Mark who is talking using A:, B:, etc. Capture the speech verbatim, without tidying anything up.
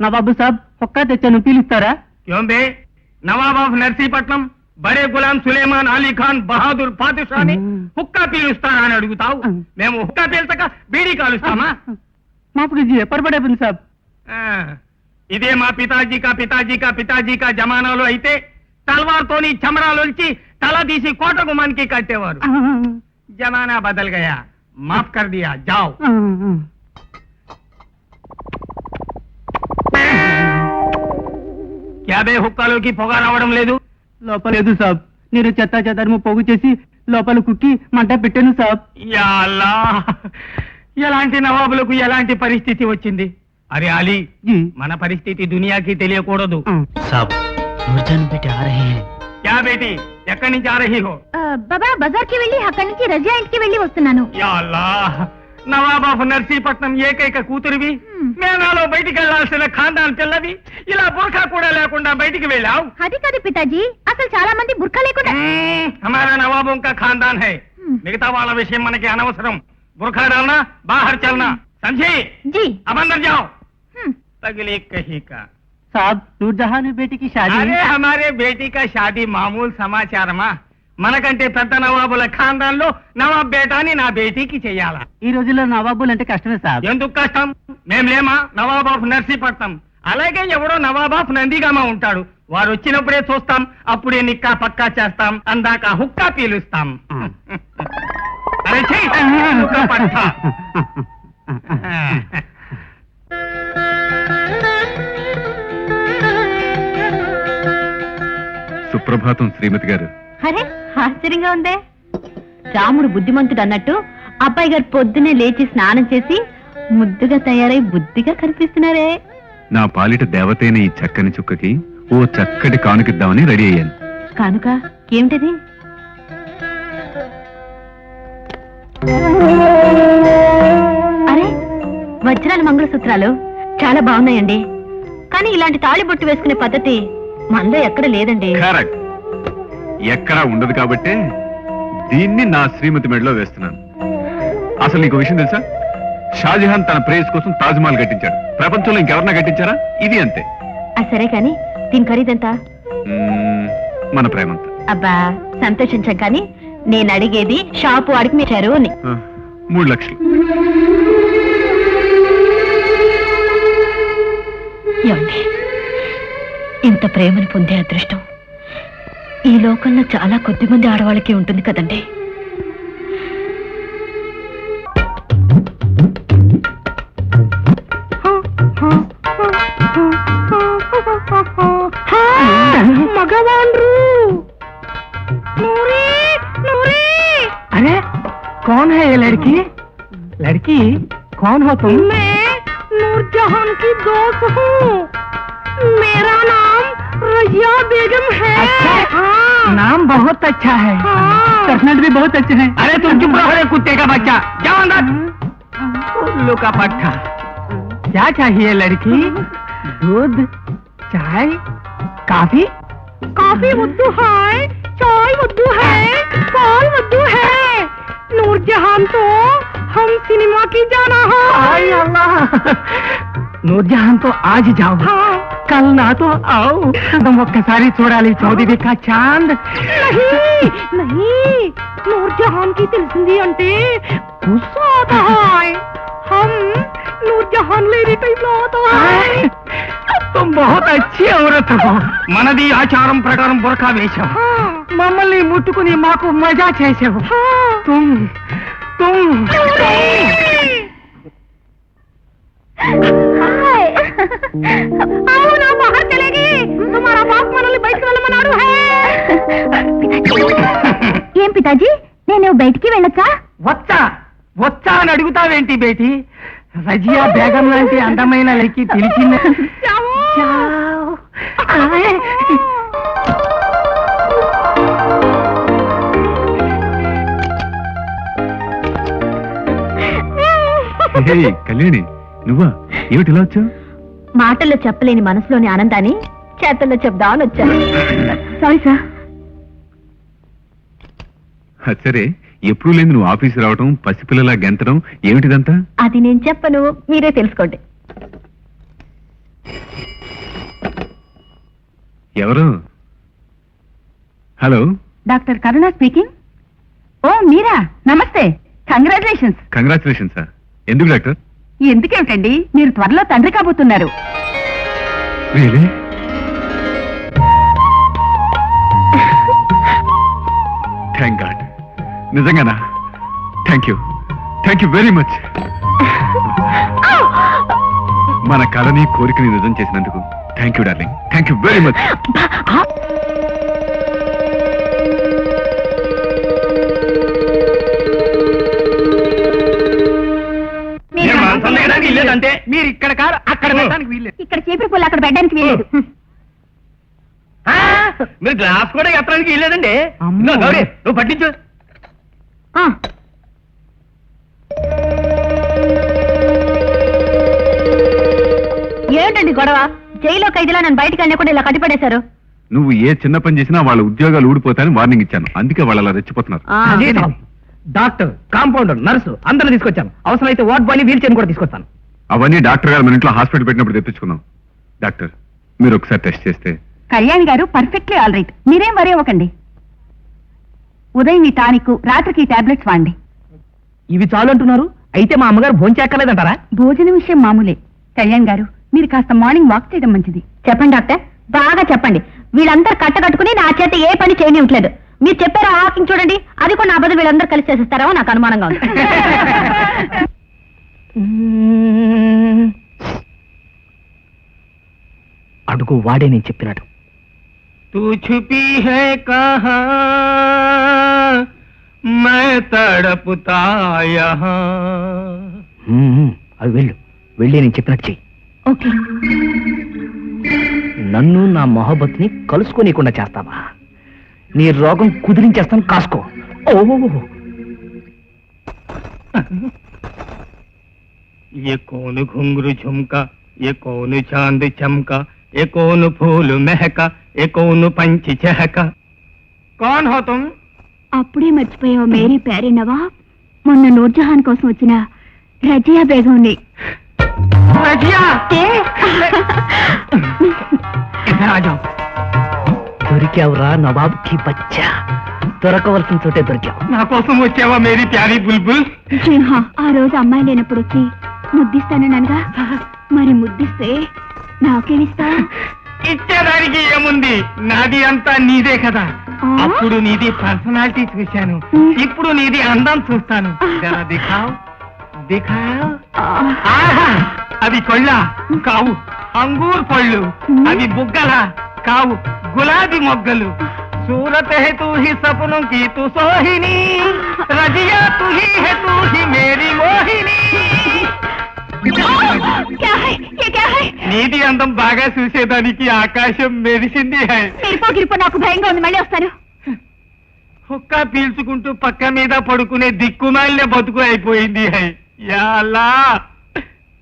A: నవాబు సాబ్ హుక్కా తెచ్చాను, పీలుస్తారా?
B: क्यों बे नवाब ऑफ నర్సీపట్నం బడే గులాం సులేమాన్ అలీ ఖాన్ బహాదూర్ పాదుషాని హుక్కా పీలుస్తారా అని అడుగుతావు? మేము హుక్కా పీల్చక బీడీ కాలుస్తామా?
A: మాఫ్ कीजिए परबड़े बिन साहब.
B: ఇదే మా పితాజీ కా పితాజీ కా పితాజీ కా జమానాలో అయితే తల్వార్తోని చమరాలోంచి తల తీసి కోట గుమానికి కట్టేవారు. జమానా బదల్ గయా, మాఫ్ కర్ దియా, జాओ. క్యా బే హుక్కాలోకి పొగ రావడం లేదు?
A: లోపల లేదు సాబ్, నేను చెత్త చెదారము పోగు చేసి లోపల కుక్కి మంట పెట్టాను సాబ్.
B: యా అల్లాహ్, ఎలాంటి నవాబులకు ఎలాంటి పరిస్థితి వచ్చింది? అరే అలీ, మన పరిస్థితి దునియాకి తెలియకూడదు.
A: సాబ్ నూర్జాన్ బేటీ ఆ రహీ హై.
B: క్యా బేటీ, ఎక్కడి నుంచి ఆ రహీ హో?
C: బాబా బజార్ కి వెళ్ళి అక్కడి నుంచి రజియా ఇంటికి వెళ్ళి వస్తున్నాను.
B: యా అల్లాహ్, నవాబ్ ఆఫ్ నర్సీపట్నం ఏకైక కూతురివి, మేనాలో బయటికి వెళ్లాల్సిన ఖాందాన్ పిల్లవి, ఇలా బుర్ఖా కూడా లేకుండా బయటికి వెళ్ళావు.
C: అది కాదు పితాజీ, అసలు చాలా మంది బుర్ఖా లేకుండా.
B: హమారా నవాబోं का खानदान है, మిగతా వాళ్ళ విషయం మనకి అనవసరం. బుర్ఖా डालना, बाहर चलना, समझे?
C: जी.
B: अब अंदर जाओ. तगली कहीं का
A: సాబ్ నూర్జహాన్ బేటీ కి షాదీ.
B: అరే హమారే బేటీ కా షాదీ మామూలు సమాచారమా? మనకంటే పెద్ద నవాబుల ఖాందాన్ లో నవాబ్ బేటాని నా బేటీకి చెయ్యాలా?
A: ఈ రోజుల్లో నవాబులు అంటే కష్టమే సాబ్.
B: ఎందుకు కష్టం? మేం లేమా నవాబ్ ఆఫ్ నర్సీపట్నం? అలాగే ఎవడో నవాబ్ ఆఫ్ నందిగామ ఉంటాడు, వారు వచ్చినప్పుడే చూస్తాం, అప్పుడే నిక్కా పక్కా చేస్తాం, అందాక హుక్కా పీలుస్తాం. అరే ఛీ, హుక్కా పట్టా.
D: సుప్రభాతం శ్రీమతి గారు.
C: అరే ఆశ్చర్యంగా ఉందే. రాముడు బుద్ధిమంతుడు అన్నట్టు అబ్బాయి గారు పొద్దునే లేచి స్నానం చేసి ముద్దుగా తయారై బుద్ధిగా కనిపిస్తున్నారే.
D: నా పాలిట దేవతైన ఈ చక్కని చుక్కకి ఓ చక్కటి కానుకిద్దామని రెడీ అయ్యాను.
C: కానుక ఏమిటది? అరే వజ్రాల మంగళసూత్రాలు చాలా బాగున్నాయండి, కానీ ఇలాంటి తాళి బొట్టు వేసుకునే పద్ధతి మనలో ఎక్కడ లేదండి.
D: కరెక్ట్, ఎక్కడా ఉండదు కాబట్టే దీన్ని నా శ్రీమతి మెడలో వేస్తున్నాను. అసలు నీకు విషయం తెలుసా? షాజహాన్ తన ప్రేయస్ కోసం తాజ్ మహల్ కట్టించాడు. ప్రపంచంలో ఇంకెవరన్నా కట్టించారా? ఇది అంతే.
C: సరే కాని దీని ఖరీదంతా?
D: మన ప్రేమంతా.
C: అబ్బా సంతోషించాం, కానీ నేను అడిగేది షాపు వాడికి మీచారు అని.
D: మూడు లక్షలు.
C: ఏమండి, ఇంత ప్రేమను పొందే అదృష్టం ఈ లోకంలో చాలా కొద్ది మంది ఆడవాళ్ళకి ఉంటుంది కదండి. మగవాండ్రు.
A: अरे कौन है ये लड़की? लड़की कौन हो तुम?
C: मैं नूरजहान की दोस्त हूँ, मेरा नाम रजिया बेगम है.
A: अच्छा?
C: हाँ.
A: नाम बहुत अच्छा है, पर्सनल भी बहुत अच्छे हैं.
B: अरे तुम चुप रहो रे कुत्ते का बच्चा, जाओ अंदर. उल्लू का पट्टा.
A: क्या चाहिए लड़की? दूध, चाय, काफी?
C: కాఫీ వద్దు హాయ్, చాయ్ వద్దు है, पाल వద్దు है. नूरजहान तो हम सिनेमा की जाना है.
A: हाय अल्लाह, नूरजहान तो आज जाओ.
C: हाँ.
A: कल ना तो आओ. तुम ఒక్కసారి చూడాలి చౌదరి కా చాంద్.
C: नहीं नहीं, नूरजहान की తెలిసింది అంటే गुस्सा आता है. हम नूरजहान लेने टाइम లో आता है.
A: तुम बहुत अच्छी औरत हो.
B: మనది ఆచారం ప్రకారం బుర్ఖా వేశాం.
A: మమ్మల్ని ముట్టుకుని మాకు మజా చేసావు. तुम तुम
C: आओ ना, बाहर चलेगी. तुम्हारा बाप మనల్ని బయటికి వెళ్ళమన్నాడు. ఏం పితాజీ, నేను బయటికి వెళ్ళొచ్చా?
A: వచ్చా వచ్చా అని అడుగుతావేంటి బేటీ? రజియా బేగం లాంటి అందమైన లెక్కి పిలిచింది.
D: కళ్యాణి, నువ్వా? ఏమిటి ఇలా వచ్చావు?
C: మాటల్లో చెప్పలేని మనసులోని ఆనందాన్ని చేతల్లో చెప్దామని వచ్చాను. Sorry sir.
D: సరే, ఎప్పుడు లేదు నువ్వు ఆఫీసు రావటం, పసిపిల్లలా గెంతడం, ఏమిటిదంతా?
C: అది నేను చెప్పను, మీరే తెలుసుకోండి.
D: ఎవరు? Hello,
C: doctor Karuna speaking. Oh మీరా, నమస్తే. కంగ్రాచులేషన్స్.
D: Congratulation sir. ఎందుకు డాక్టర్?
C: ఎందుకేమిటండి, మీరు త్వరలో తండ్రి కాబోతున్నారు.
D: రియలీ? Thank God. నిజంగానా? Thank you, thank you very much. మన కళని కోరికని నిజం చేసినందుకు thank you darling. Thank you very much.
B: లేదంటే
A: మీరు ఇక్కడ కాదు అక్కడ పెట్టడానికి వీల్లేదు.
C: ఇక్కడ చీపురు పుల్ల అక్కడ పెట్టడానికి వీలేదు.
B: మీరు గ్లాస్ కూడా ఎత్తడానికి వెళ్ళలేదండి.
A: అమ్మో.
B: గౌరీ నువ్వు పట్టించు.
C: ఏంటండి గొడవ? జైల్లో ఖైదీలా నన్ను బయటకు వెళ్ళకుండా ఇలా కట్టిపడేశారు.
D: నువ్వు ఏ చిన్న పని చేసినా వాళ్ళ ఉద్యోగాలు ఊడిపోతాయని వార్నింగ్ ఇచ్చాను. అందుకే వాళ్ళు అలా రెచ్చిపోతున్నారు.
B: అదే టామ్. డాక్టర్, కాంపౌండర్, నర్సు అందరిని తీసుకొచ్చాను. అవసరమైతే వార్డ్ బాయ్ని వీల్ చైర్ కూడా తీసుకొస్తాను.
D: అవన్నీ డాక్టర్ గారు మన ఇంట్లో హాస్పిటల్ పెట్టినప్పుడు తెప్పించుకున్నాం. డాక్టర్, మీరు ఒకసారి టెస్ట్ చేస్తే.
C: కళ్యాణి గారు పర్ఫెక్ట్లీ ఆల్ రైట్. మీరేం వరీ అవ్వకండి. ఉదయం ఈ టానిక్, రాత్రికి ఈ టాబ్లెట్స్ వాడండి.
B: ఇవి చాలు అంటున్నారు. అయితే మా అమ్మగారు భోంచేక్కర్లేదంటారా?
C: భోజన విషయం మామూలే. కళ్యాణ్ గారు, మీరు కాస్త మార్నింగ్ వాక్ చేయడం మంచిది. చెప్పండి డాక్టర్, బాగా చెప్పండి. వీళ్ళందరూ కట్టకట్టుకుని నా చేత ఏ పని చేయనివ్వట్లేదు. మీరు చెప్పారు ఆ వాకింగ్ చూడండి, అది కూడా నా బదులు వీళ్ళందరూ కలిసి చేసేస్తారో నాకు అనుమానంగా ఉంది.
B: అడుగు వాడే నేను చెప్పినట్టు. తూ ఛుపీ హై కహా మై తడపుతా యహా. అవి వెళ్ళు, వెళ్ళి నేను చెప్పినట్టు చెయ్యి.
C: ఓకే.
B: నన్ను నా మొహబ్బత్ని కలుసుకోనీయకుండా చేస్తావా? నీ రోగం కుదిరించేస్తాను, కాసుకో. ఓ ये कौन घुंघरू झुमका, ये कौन चांद चमका, ये कौन फूल महका, ये कौन पंछी चहका. कौन हो तुम?
C: అప్పుడే మర్చిపోయావు మేరీ ప్యారీ నవాబ్. మొన్న నూర్జహాన్ కోసం వచ్చిన రజియా బేగంని.
B: रजिया, इधर आ जाओ. దొరికావురా నవాబ్ కి బచ్చా. దొరకవలసిన చోటే దొరికావు. నా కోసం వచ్చావా మేరీ ప్యారీ బుల్బుల్?
C: ఆ రోజు అమ్మాయి లేనప్పుడు వచ్చి ముద్దిస్తాననగా, మరి ముద్దిస్తే నాకేమిస్తా?
B: ఇచ్చేదానికి ఏముంది, నాది అంతా నీదే కదా. అప్పుడు నీది పర్సనాలిటీ చూశాను, ఇప్పుడు నీది అందం చూస్తాను. జరా దిఖావ్ దిఖావ్. ఆహా, అవి కొళ్ళ కావు, అంగూర్ పళ్ళు. అవి బుగ్గల కావు, గులాబీ మొగ్గలు. सूरत है तू ही सपनों की तू सोहिनी, रजिया तू ही है तू ही मेरी मोहिनी. నీటి అందం బాగా చూసేదానికి ఆకాశం మెరిసింది.
C: గిరిపో నాకు భయంగా ఉంది, మళ్ళీ వస్తాను.
B: హుక్క పీల్చుకుంటూ పక్క మీద పడుకునే దిక్కుమాలిన బతుకు అయిపోయింది. హై యా అల్లా.